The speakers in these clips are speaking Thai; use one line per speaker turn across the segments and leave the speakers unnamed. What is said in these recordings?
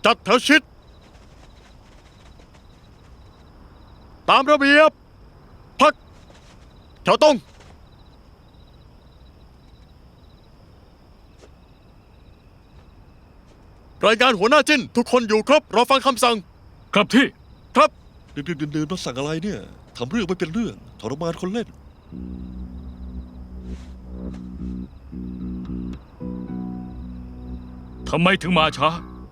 จัดแถวชิดตามระเบียบพักแถวตรงรายงานหัวหน้าจิ้นทุกคนอยู่ครบรอฟังคำสั่ง
ครับที่
ครับ
ดึกๆดื่นๆมาสั่งอะไรเนี่ยทำเรื่องไม่เป็นเรื่องทรมานคนเล่น
ทำไมถึงมาช้า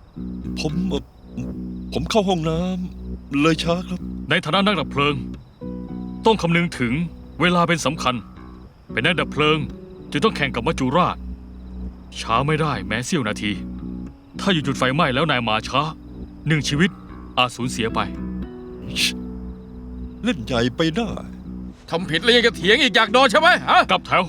ผมเข้าห้องน้ำเลยช้าครับ
ในฐานะนักดับเพลิง ต้องคำนึงถึงเวลาเป็นสำคัญ เป็นนักดับเพลิงจึงต้องแข่งกับมัจจุราช ช้าไม่ได้แม้เสี้ยวนาที ถ้าอยู่จุดไฟไหม้แล้วนายมาช้า1 ชีวิตอาจสูญเสียไป
เล่นใหญ่ไปได้
ทำผิดแล้วยังจะเถียงอีกอยากโดนใช่ไหมฮะ
กลับแถว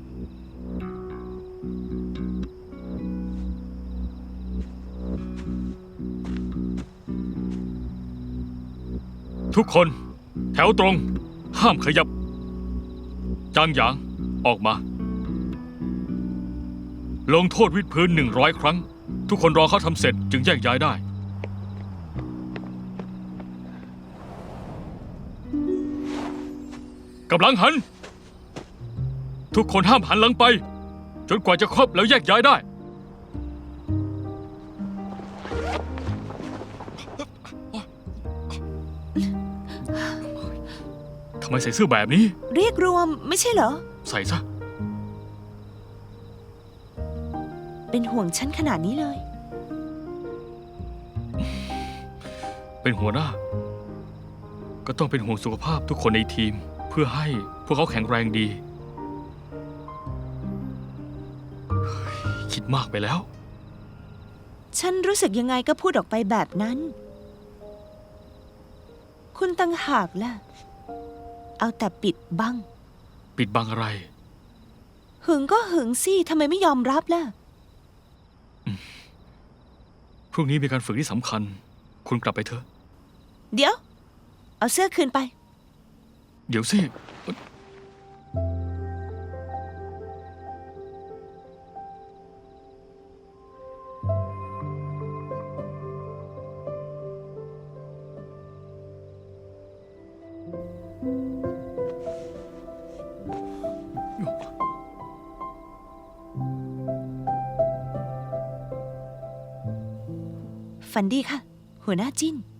ทุกคนแถวตรง ห้ามขยับ จางหยาง ออกมา ลงโทษวิดพื้น100 ครั้ง ทุกคนรอเขาทำเสร็จจึงแยกย้ายได้ กำลังหัน ทุกคนห้ามหันหลังไป จนกว่าจะครบแล้วแยกย้ายได้ ทำไมใส่เสื้อแบบนี้
เรียกรวมไม่ใช่เหรอ
ใส่ซะ
เป็นห่วงฉันขนาดนี้เลย
เป็นหัวหน้า ก็ต้องเป็นห่วงสุขภาพทุกคนในทีม เพื่อให้พวกเขาแข็งแรงดีเฮ้ยคิดมากไปแล้ว
ฉันรู้สึกยังไงก็พูดออกไปแบบนั้น คุณตั้งหากล่ะ เอาแต่ปิดบัง
ปิดบังอะไร
หึงก็หึงสิทำไมไม่ยอมรับล่ะ
พรุ่งนี้มีการฝึกที่สำคัญ คุณกลับไปเถอะ
เดี๋ยว เอาเสื้อคืนไป
เดี๋ยวสิ
ฝันดีค่ะ หัวหน้าจิ้น